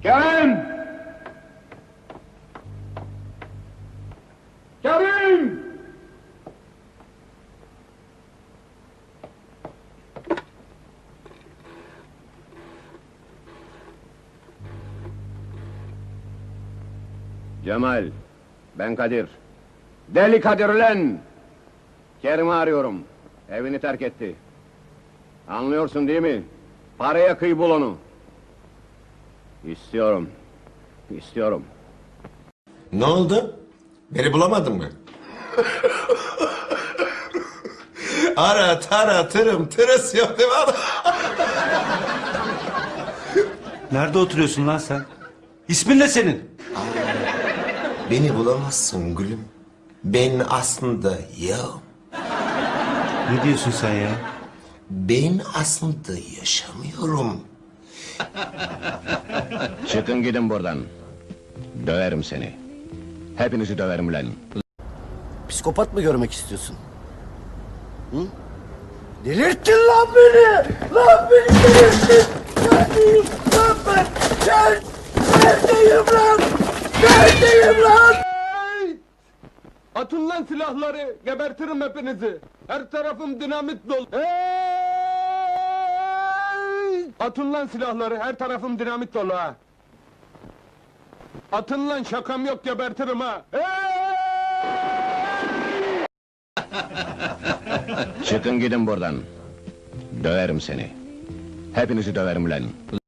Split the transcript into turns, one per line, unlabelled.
Kerim! Kerim! Cemal, ben Kadir. Deli Kadir lan! Kerim'i arıyorum. Evini terk etti. Anlıyorsun değil mi? Paraya kıy bul onu. İstiyorum. İstiyorum.
Ne oldu? Beni bulamadın mı? Ara tara tırım tırıs yok değil mi adam?
Nerede oturuyorsun lan sen? İsmin ne senin?
Beni bulamazsın gülüm. Ben aslında yokum.
Ne diyorsun sen ya?
Ben aslında yaşamıyorum.
Çıkın gidin buradan. Döverim seni. Hepinizi döverim lan.
Psikopat mı görmek istiyorsun? Hı? Delirttin lan beni! Lan beni delirttin! Neredeyim lan ben? Neredeyim lan? Neredeyim lan?
Atın lan silahları, gebertirim hepinizi. Her tarafım dinamit dolu. Atın lan silahları, her tarafım dinamit dolu ha. Atın lan, şakam yok, gebertirim ha.
Çıkın gidin buradan. Döverim seni. Hepinizi döverim lan.